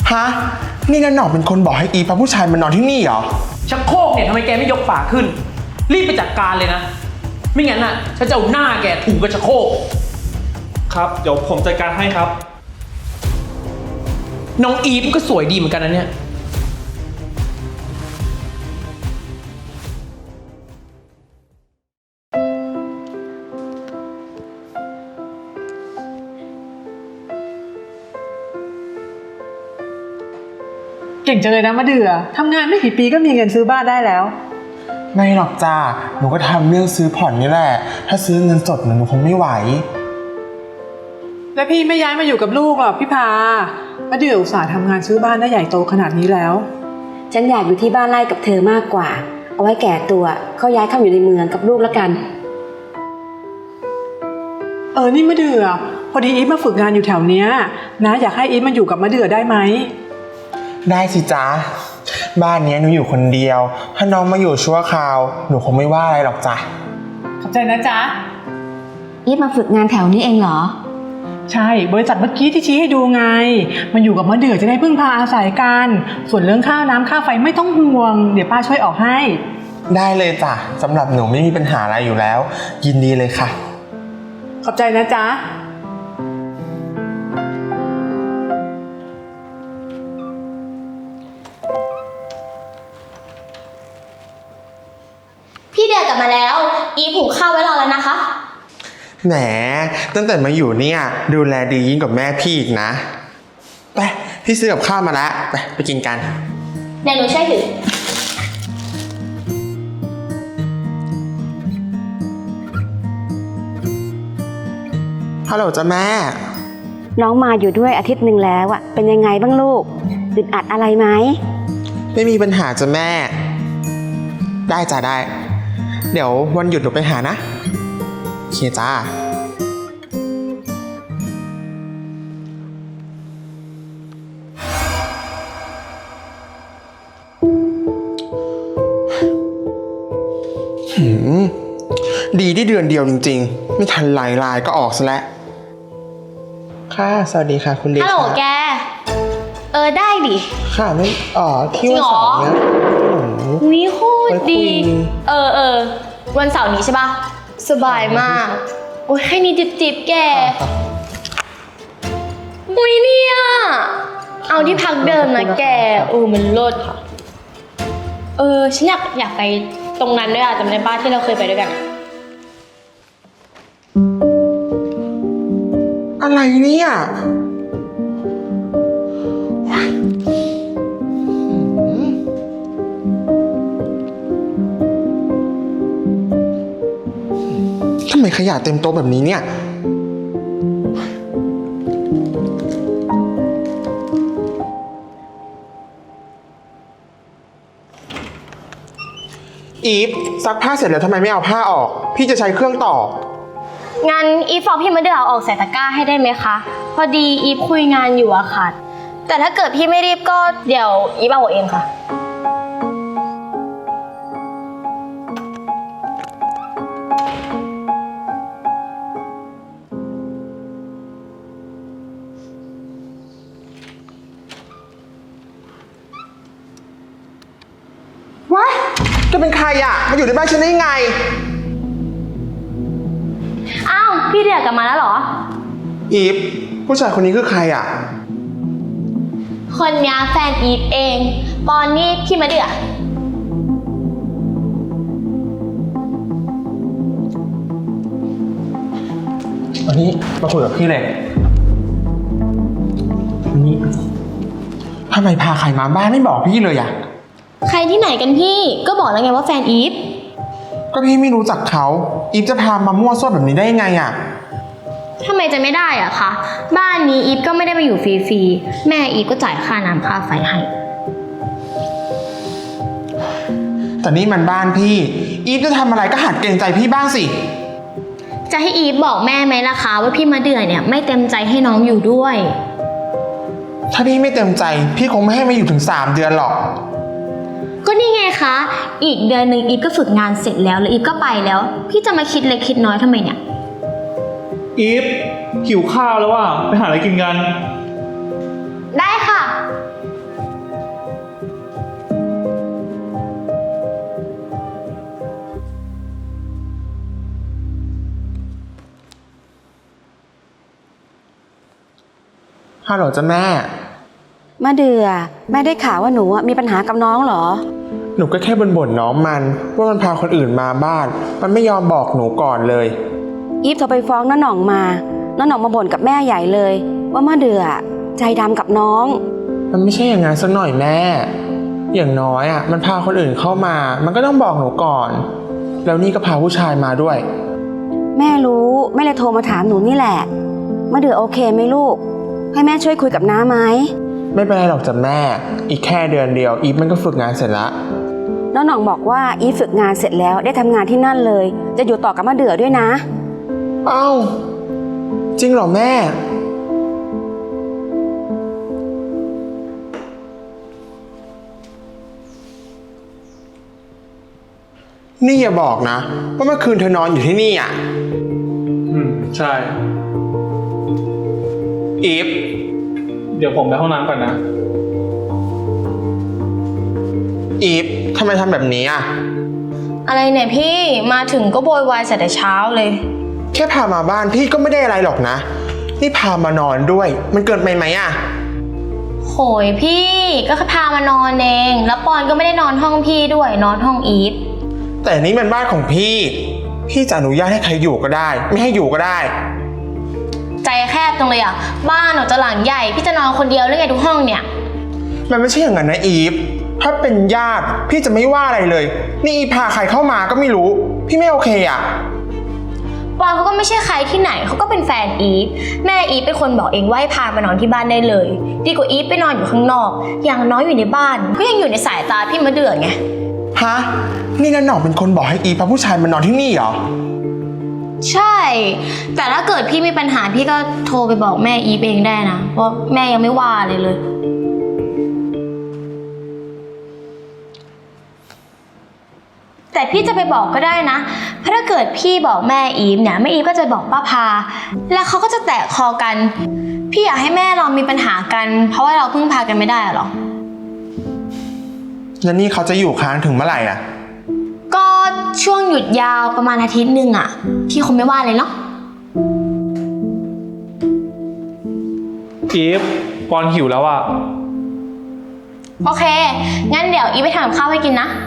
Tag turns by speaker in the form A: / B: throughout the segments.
A: ฮะนี่นันหนอกเป็นคนบอกให้อีพาผู้ชายมานอนที่นี่เหรอ
B: ชักโครกเนี่ยทำไมแกไม่ยกฝาขึ้นรีบไปจัดการเลยนะไม่งั้นน่ะฉันจะเอาหน้าแกถูกกับชักโครก
C: ครับเดี๋ยวผมจัดการให้ครับ
B: น้องอีฟก็สวยดีเหมือนกันนะเนี่ย
D: เก่งจังเลยนะมะเดื่อทำงานไม่กี่ปีก็มีเงินซื้อบ้านได้แล้ว
A: ไม่หรอกจ้าหนูก็ทำเรื่องซื้อผ่อนนี่แหละถ้าซื้อเงินสดหนูคงไม่ไหว
D: แล้วพี่ไม่ย้ายมาอยู่กับลูกหรอพี่พามะเดื่ออุตส่าห์ทำงานซื้อบ้านได้ใหญ่โตขนาดนี้แล้ว
E: ฉันอยากอยู่ที่บ้านไร่กับเธอมากกว่าเอาไว้แก่ตัวเขาย้ายเข้าอยู่ในเมืองกับลูกแล้วกัน
D: นี่มะเดื่อพอดีอีฟมาฝึกงานอยู่แถวเนี้ยนะอยากให้อีฟมาอยู่กับมะเดื่อได้ไหม
A: ได้สิจ๊ะบ้านนี้หนูอยู่คนเดียวถ้าน้องมาอยู่ชั่วคราวหนูคงไม่ว่าอะไรหรอกจ้ะ
D: ขอบใจนะจ๊ะ
E: อีฟมาฝึกงานแถวนี้เองเหรอ
D: ใช่บริษัทเมื่อกี้ที่ชี้ให้ดูไงมาอยู่กับมะเดื่อจะได้พึ่งพาอาศัยกันส่วนเรื่องค่าน้ำค่าไฟไม่ต้องห่วงเดี๋ยวป้าช่วยออกให้
A: ได้เลยจ้ะสำหรับหนูไม่มีปัญหาอะไรอยู่แล้วยินดีเลยค่ะ
D: ขอบใจนะจ๊ะ
F: พี่เดือกลับมาแล้วอีฟหุงข้าวไว้รอแล้วนะคะ
A: แหมตั้งแต่มาอยู่เนี่ยดูแลดียิ่งกว่าแม่พี่อีกนะไปพี่ซื้อกับข้าวมาแล้วไปกินกัน
F: เดี๋ยวหนูช่วยถือ
A: ฮัลโหลจ้ะแม่
E: น้องมาอยู่ด้วยอาทิตย์หนึ่งแล้วอะเป็นยังไงบ้างลูกอึดอัดอะไรไหม
A: ไม่มีปัญหาจ้ะแม่ได้จ้ะได้เดี๋ยววันหยุดหนูไปหานะโอเคจ้าดีที่เดือนเดียวจริงๆไม่ทันลายก็ออกซะแล้วค่ะสวัสดีค่ะคุณเดช
F: ฮัลโหลแกได้ดิ
A: ค่ะไม่ที่วันเสาร์เนี้ย
F: วิโคตรดีวันเสาร์นี้ใช่ปะสบายมากโอ้ยแค่นี้จิบแกอุ้ยเนี่ยเอาที่พักเดิมนะแกมันเลิศค่ะฉันอยากไปตรงนั้นด้วยจำได้ป้าที่เราเคยไปด้วยกัน
A: อะไรเนี่ยทำไมขยะเต็มโต๊ะแบบนี้เนี่ยอีฟซักผ้าเสร็จแล้วทำไมไม่เอาผ้าออกพี่จะใช้เครื่องต่อ
F: งั้นอีฟบอกพี่มาเดือเอาออกใส่ตะกร้าให้ได้ไหมคะพอดีอีฟคุยงานอยู่อะค่ะแต่ถ้าเกิดพี่ไม่รีบก็เดี๋ยวอีฟเอาเองค่ะ
A: ว้ายจะเป็นใครอะมาอยู่ในบ้านฉันได้ไง
F: อ้าวพี่เดือกลับมาแล้วเหรอ
A: อีฟผู้ชายคนนี้คือใครอะ
F: คนนี้แฟนอีฟเองปอนนี่พี่มาเดือ
A: วันนี้มาคุยกับพี่เลยนี่ทำไมพาใครมาบ้านไม่บอกพี่เลยอะ
F: ใครที่ไหนกันพี่ก็บอกแล้วไงว่าแฟนอีฟ
A: ก็พี่ไม่รู้จักเขาอีฟจะพามามั่วซั่วแบบนี้ได้ยังไงอะ
F: ทำไมจะไม่ได้อะคะบ้านนี้อีฟก็ไม่ได้มาอยู่ฟรีๆแม่อีฟก็จ่ายค่าน้ำค่าไฟให้
A: แต่นี่มันบ้านพี่อีฟจะทำอะไรก็หัดเกรงใจพี่บ้างสิ
F: จะให้อีฟบอกแม่ไหมล่ะคะว่าพี่มาเดือเนี่ยไม่เต็มใจให้น้องอยู่ด้วย
A: ถ้าพี่ไม่เต็มใจพี่คงไม่ให้มาอยู่ถึง3 เดือนหรอก
F: ก็นี่ไงคะอีกเดือนหนึ่งอีฟก็ฝึกงานเสร็จแล้วอีฟก็ไปแล้วพี่จะมาคิดเล็กคิดน้อยทำไมเนี่ย
C: อีฟหิวข้าวแล้วว่ะไปหาอะไรกินกัน
F: ได้ค่ะ
A: ฮัลโหลจ้ะแม่
E: มะเดือแม่ได้ข่าวว่าหนูมีปัญหากับน้องเหรอ
A: หนูก็แค่บ่นน้องมันว่ามันพาคนอื่นมาบ้าน มันไม่ยอมบอกหนูก่อนเลย
E: อีฟโทรไปฟ้องน้าหน่องมาน้าหน่องมาบ่นกับแม่ใหญ่เลย ว่ามะเดือใจดำกับน้อง
A: มันไม่ใช่อย่างนั้นสักหน่อยแม่ อย่างน้อยมันพาคนอื่นเข้ามา มันก็ต้องบอกหนูก่อน แล้วนี่ก็พาผู้ชายมาด้วย
E: แม่รู้แม่เลยโทรมาถามหนูนี่แหละมะเดือโอเคไหมลูก ให้แม่ช่วยคุยกับน้าไหม
A: ไม่เป็นไรหรอกจ้ะแม่ อีกแค่เดือนเดียวอีฟมันก็ฝึกงานเสร็จละ
E: น้าหน่องบอกว่าอีฟฝึกงานเสร็จแล้วได้ทำงานที่นั่นเลย จะอยู่ต่อกับมะเดือด้วยนะ
A: เอ้าจริงเหรอแม่ นี่อย่าบอกนะว่าเมื่อคืนเธอนอนอยู่ที่นี่อ่ะ
C: ใช่
A: อีฟ
C: เดี๋ยวผมไปห้องน้ำก่อนนะ
A: อีฟทำไมทำแบบนี้อ่ะ
F: อะไรเนี่ยพี่มาถึงก็โวยวายแต่เช้าเลย
A: แค่พามาบ้านพี่ก็ไม่ได้อะไรหรอกนะ นี่พามานอนด้วย มันเกินไปไหมอ่ะ
F: โหยพี่ก็แค่พามานอนเองแล้วปอนก็ไม่ได้นอนห้องพี่ด้วยนอนห้องอีฟ
A: แต่นี่มันบ้านของพี่ พี่จะอนุญาตให้ใครอยู่ก็ได้ ไม่ให้อยู่ก็ได้
F: ใจแคบจังเลยอ่ะบ้านหนูจะหลังใหญ่พี่จะนอนคนเดียวหรือไงทุกห้องเนี่ย
A: มันไม่ใช่อย่างนั้นนะอีฟ ถ้าเป็นญาติพี่จะไม่ว่าอะไรเลย นี่อีฟพาใครเข้ามาก็ไม่รู้ พี่ไม่โอเคอ่ะ
F: ปอนเขาก็ไม่ใช่ใครที่ไหนเขาก็เป็นแฟนอีฟแม่อีฟเป็นคนบอกเองว่าให้พามานอนที่บ้านได้เลยดีกว่าอีฟไปนอนอยู่ข้างนอกอย่างน้อยอยู่ในบ้านก็ยังอยู่ในสายตาพี่มะเดือไง
A: ฮะ นี่นันหน่องเป็นคนบอกให้อีฟพาผู้ชายมานอนที่นี่เหรอ
F: ใช่ แต่ถ้าเกิดพี่มีปัญหาพี่ก็โทรไปบอกแม่อีฟเองได้นะเพราะแม่ยังไม่ว่าเลย แต่พี่จะไปบอกก็ได้นะเพราะถ้าเกิดพี่บอกแม่อีฟเนี่ยแม่อีฟก็จะบอกป้าพาแล้วเขาก็จะแตกคอกัน พี่อยากให้แม่เรามีปัญหากันเพราะว่าเราพึ่งพากันไม่ได้หรอ
A: แล้วนี่เขาจะอยู่ค้างถึงเมื่อไหร่อ่ะ
F: ก็ช่วงหยุดยาวประมาณอาทิตย์หนึ่งอ่ะพี่คงไม่ว่าเลยเนาะ
C: อีฟปอนหิวแล้วอ่ะ
F: โอเคงั้นเดี๋ยวอีฟไปทำกับข้าวให้กินนะ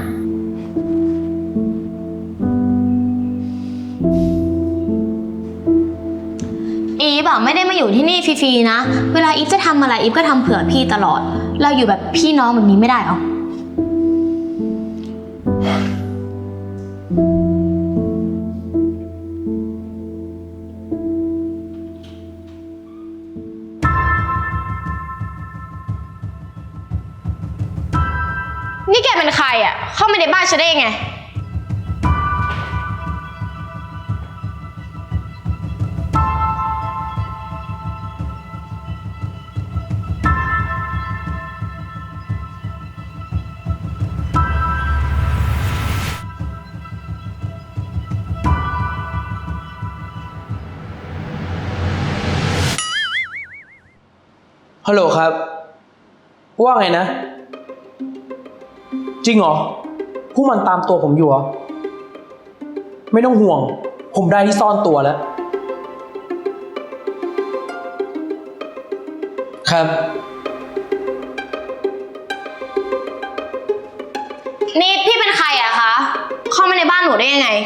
F: อีฟไม่ได้มาอยู่ที่นี่ฟรีๆนะเวลาอีฟจะทำอะไรอีฟก็ทำเผื่อพี่ตลอดเราอยู่แบบพี่น้องแบบนี้ไม่ได้หรอนี่แกเป็นใครอ่ะเข้ามาในบ้านฉันได้ยังไง
B: ฮัลโหลครับว่าไงนะจริงเหรอพวกมันตามตัวผมอยู่เหรอไม่ต้องห่วงผมได้ที่ซ่อนตัวแล้วครับ
F: นี่พี่เป็นใครอะคะเข้ามาในบ้านหนูได้ยังไง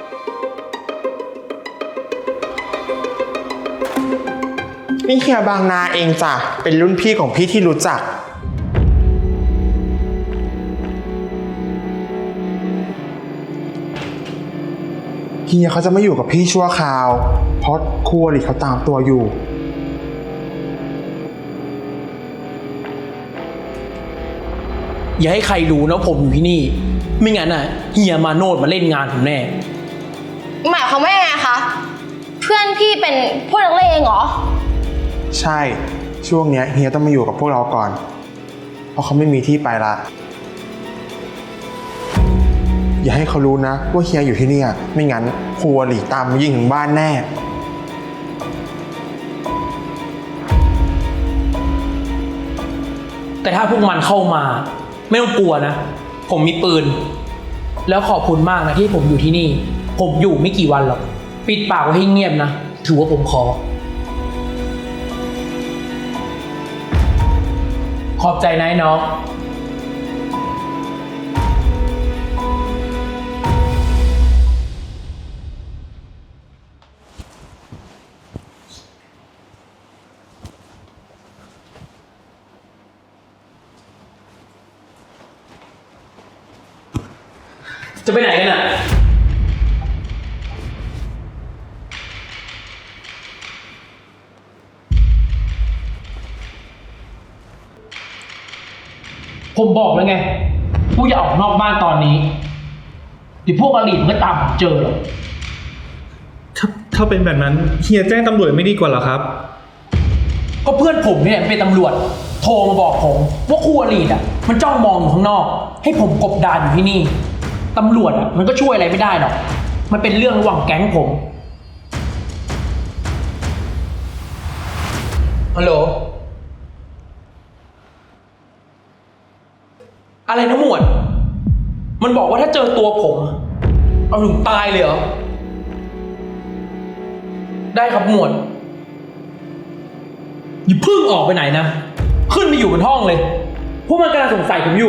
A: นี่เฮียบางนาเองจ้ะ เป็นรุ่นพี่ของพี่ที่รู้จัก เฮียเขาจะมาอยู่กับพี่ชั่วคราว เพราะครูอริเขาตามตัวอยู่
B: อย่าให้ใครรู้นะผมอยู่ที่นี่ไม่งั้นน่ะเฮียมาโนดมาเล่นงานผมแน่
F: หมายความว่ายังไงคะเพื่อนพี่เป็นพวกนักเลงเหรอ
A: ใช่ ช่วงเนี้ยเฮียต้องมาอยู่กับพวกเราก่อน เพราะเขาไม่มีที่ไปละ อย่าให้เขารู้นะว่าเฮียอยู่ที่นี่ไม่งั้นครูอริตามมายิงถึงบ้านแน่
B: แต่ถ้าพวกมันเข้ามาไม่ต้องกลัวนะผมมีปืนแล้วขอบคุณมากนะที่ผมอยู่ที่นี่ผมอยู่ไม่กี่วันหรอกปิดปากไว้ให้เงียบนะถือว่าผมขออบใจนะไอ้น้อง จะไปไหนกันอ่ะ ผมบอกแล้วไงพวกอย่าออกนอกบ้านตอนนี้เดี๋ยวพวกอลีมันก็ตามผมเจอหรอก
C: ถ้าเป็นแบบนั้นเฮียแจ้งตำรวจไม่ดีกว่าเหรอครับ
B: ก็เพื่อนผมเนี่ยเป็นตำรวจ โทรมาบอกผมว่าคู่อลีอ่ะ มันจ้องมองอยู่ข้างนอก ให้ผมกบดานอยู่ที่นี่ตำรวจอ่ะมันก็ช่วยอะไรไม่ได้หรอกมันเป็นเรื่องระหว่างแก๊งผมฮัลโหลอะไรนะหมวด มันบอกว่าถ้าเจอตัวผม เอาถึงตายเลยเหรอ ได้ครับหมวดอย่าเพิ่งออกไปไหนนะ ขึ้นไปอยู่บนห้องเลย พวกมันกำลังสงสัยผมอยู่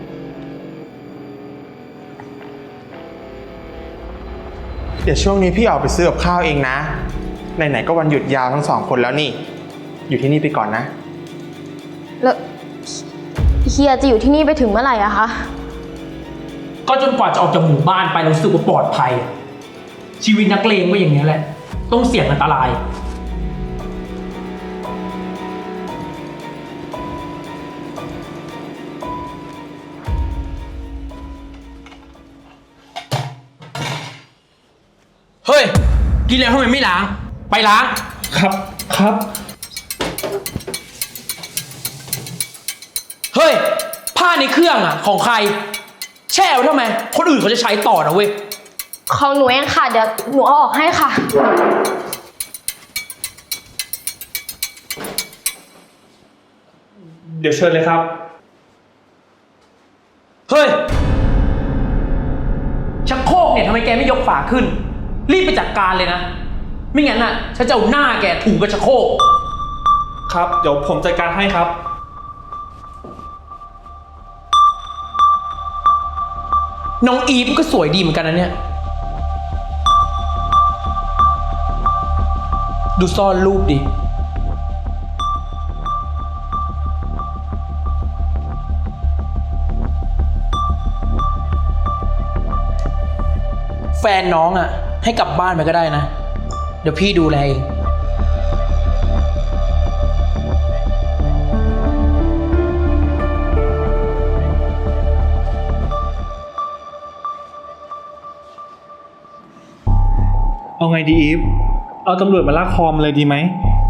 A: เดี๋ยวช่วงนี้พี่ออกไปซื้อกับข้าวเองนะ ไหนๆก็วันหยุดยาวทั้ง2 คนแล้วนี่ อยู่ที่นี่ไปก่อนนะ
F: แล้วเฮียจะอยู่ที่นี่ไปถึงเมื่อไหร่อะคะ
B: ก็จนกว่าจะออกจากหมู่บ้านไปแล้วรู้สึกว่าปลอดภัย ชีวิตนักเลงก็อย่างนี้แหละ ต้องเสี่ยงอันตราย เฮ้ย กินแล้วทำไมไม่ล้าง ไปล้าง
C: ครับ
B: เฮ้ย ผ้าในเครื่องอ่ะ ของใคร แช่ไว้ทำไม คนอื่นเขาจะใช้ต่อนะเว้ย
F: ของหนูเองค่ะ เดี๋ยวหนูเอาออกให้ค่ะ
C: เดี๋ยวเชิญเลยครับ
B: เฮ้ย ชักโครกเนี่ยทำไมแกไม่ยกฝาขึ้น รีบไปจัดการเลยนะ ไม่งั้นน่ะฉันจะเอาหน้าแกถูกกับชักโครก
C: ครับ เดี๋ยวผมจัดการให้ครับ
B: น้องอีฟก็สวยดีเหมือนกันนะเนี่ย ดูซ่อนรูปดิ แฟนน้องอ่ะ ให้กลับบ้านไปก็ได้นะ เดี๋ยวพี่ดูแลเอง
C: เอาไงดีอีฟ เอาตำรวจมาลากคอมเลยดีไหม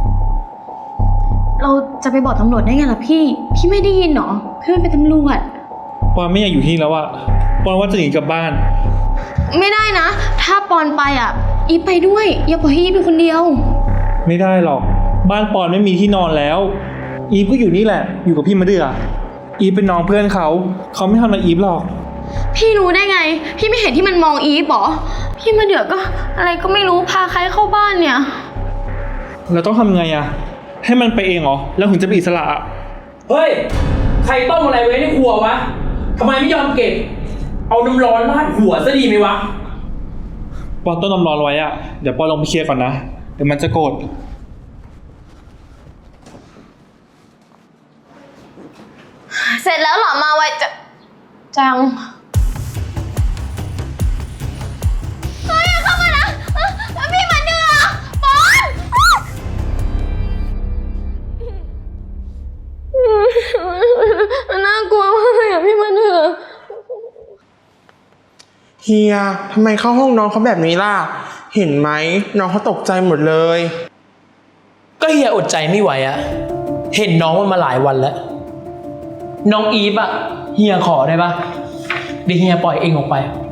F: เราจะไปบอกตำรวจได้ไงล่ะพี่ พี่ไม่ได้ยินเหรอพี่เป็นตำรวจ
C: ปอนไม่อยากอยู่ที่นี่แล้วอะปอนว่าจะหนีกลับบ้าน
F: ไม่ได้นะ ถ้าปอนไปอ่ะ อีฟไปด้วย อย่าปล่อยให้อีฟเป็นคนเดียว
C: ไม่ได้หรอก บ้านปอนไม่มีที่นอนแล้ว อีฟก็อยู่นี่แหละ อยู่กับพี่มะเดื่อ อีฟเป็นน้องเพื่อนเขาไม่ทำอะไรอีฟหรอก
F: พี่รู้ได้ไง พี่ไม่เห็นที่มันมองอีฟหรอ พี่มาเดือก็อะไรก็ไม่รู้พาใครเข้าบ้านเนี่ย
C: เราต้องทำไงอะให้มันไปเองเหรอ แล้วถึงจะเป็นอิสระอะ
B: เฮ้ย ใครต้มอะไรไว้ในครัววะ ทำไมไม่ยอมเก็บ เอาน้ำร้อนราดหัวซะดีไหมวะ
C: ปอนต้นน้ำร้อนไว้อะเดี๋ยวปอนลงไปเคลียร์ก่อนนะ เดี๋ยวมันจะโกรธ
F: เสร็จแล้วเหรอมาไวจังเฮ้ยเข้ามานะพี่มาเดือปอนน่ากลัวมากเลยอ่ะพี่มาเดือ
A: เฮียทำไมเข้าห้องน้องเขาแบบนี้ล่ะ เห็นไหมน้องเขาตกใจหมดเลย
B: ก็เฮียอดใจไม่ไหวอะเห็นน้องมันมาหลายวันแล้ว น้องอีฟอะเฮียขอได้ปะเดี๋ยวเฮียปล่อยเองออกไป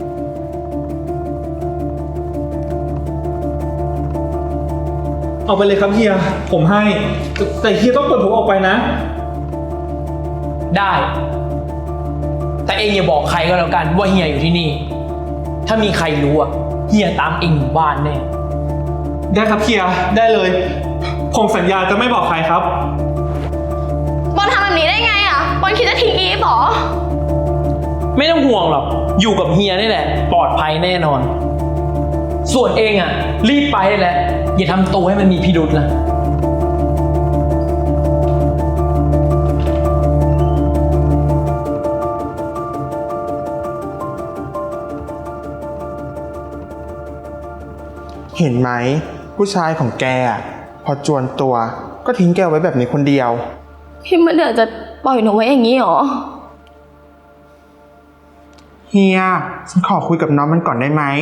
C: เอาไปเลยครับเฮีย ผมให้ แต่เฮียต้องเปิดผมออกไปนะ
B: ได้ แต่เองอย่าบอกใครก็แล้วกันว่าเฮียอยู่ที่นี่ ถ้ามีใครรู้อะเฮียตามเองอยู่บ้านแน่
C: ได้ครับเฮีย ได้เลย ผมสัญญาจะไม่บอกใครครับ
F: บอลทำแบบนี้ได้ไงอ่ะ
B: ไม่ต้องห่วงหรอก อยู่กับเฮียนี่แหละ ปลอดภัยแน่นอน ส่วนเองอ่ะ รีบไปได้แล้ว อย่าทำตัวให้มันมีพิรุษนะ
A: เห็นไหมผู้ชายของแกอะพอจวนตัวก็ทิ้งแกไว้แบบนี้คนเดียว
F: พี่มะเดื่อจะปล่อยหนูไว้อย่างนี้หรอ
A: เฮียฉันขอคุยกับน้องมันก่อนได้ไหม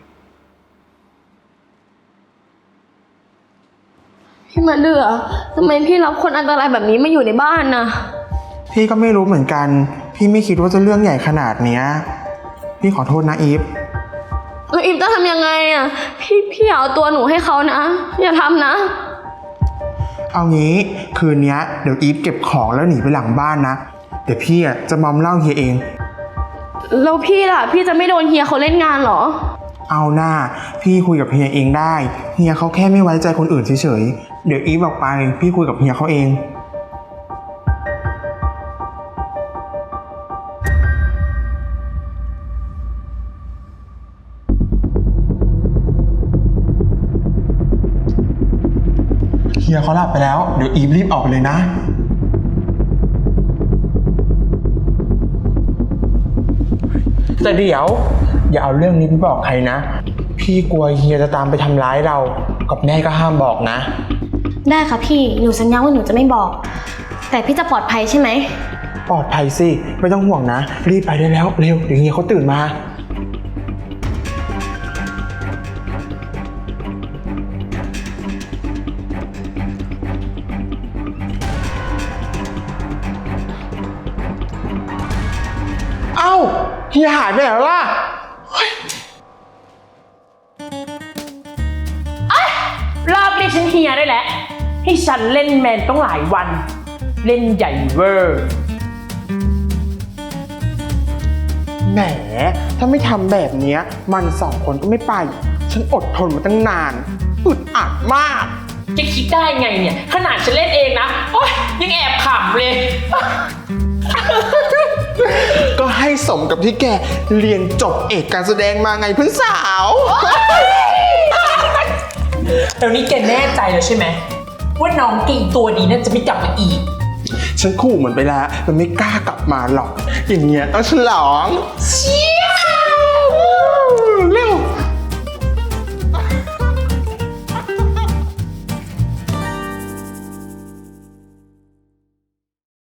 F: พี่มะเดื่อทำไมพี่รับคนอันตรายแบบนี้มาอยู่ในบ้านน่ะ
A: พี่ก็ไม่รู้เหมือนกัน พี่ไม่คิดว่าจะเรื่องใหญ่ขนาดเนี้ยพี่ขอโทษนะอีฟ
F: แล้วอิมจะทำยังไงอ่ะ พี่อย่าเอาตัวหนูให้เขานะ อย่าทำนะ
A: เอางี้คืนเนี้ยเดี๋ยวอีฟเก็บของแล้วหนีไปหลังบ้านนะเดี๋ยวพี่อะจะมอมเหล้าเฮียเอง
F: แล้วพี่ล่ะ พี่จะไม่โดนเฮียเขาเล่นงานเหรอ
A: เอาหน้าพี่คุยกับเฮียเองได้เฮียเขาแค่ไม่ไว้ใจคนอื่นเฉยๆเดี๋ยวอีฟออกไปพี่คุยกับเฮียเขาเองเฮียเขาหลับไปแล้วเดี๋ยวอีฟรีบออกไปเลยนะแต่เดี๋ยวอย่าเอาเรื่องนี้ไปบอกใครนะพี่กลัวเฮียจะตามไปทำร้ายเรากับแม่ก็ห้ามบอกนะ
F: ได้ค่ะพี่ หนูสัญญาว่าหนูจะไม่บอก แต่พี่จะปลอดภัยใช่ไหม
A: ปลอดภัยสิไม่ต้องห่วงนะรีบไปได้แล้วเร็วเดี๋ยวเฮียเขาตื่นมาเอ้าเฮียหายไปไหนแล้วล่ะ
B: รอบนี้ฉันเฮียได้แล้ว ให้ฉันเล่นแมนต้องหลายวัน เล่นใหญ่เวอร์
A: แหมถ้าไม่ทำแบบเนี้ยมันสองคนก็ไม่ไป ฉันอดทนมาตั้งนานอึดอัดมาก
B: จะคิดได้ไงเนี่ย ขนาดฉันเล่นเองนะ โอ๊ยยังแอบขำเลย
A: ก็ให้สมกับที่แกเรียนจบเอกการแสดงมาไงเพื่อนสาว
B: แล้วนี่แกแน่ใจแล้วใช่ไหม ว่าน้องกิ่งตัวดีน่าจะไม่กลับมาอีก
A: ฉันขู่มันไปแล้วมันไม่กล้ากลับมาหรอก อย่างเงี้ยต้องฉลอง
B: เชี่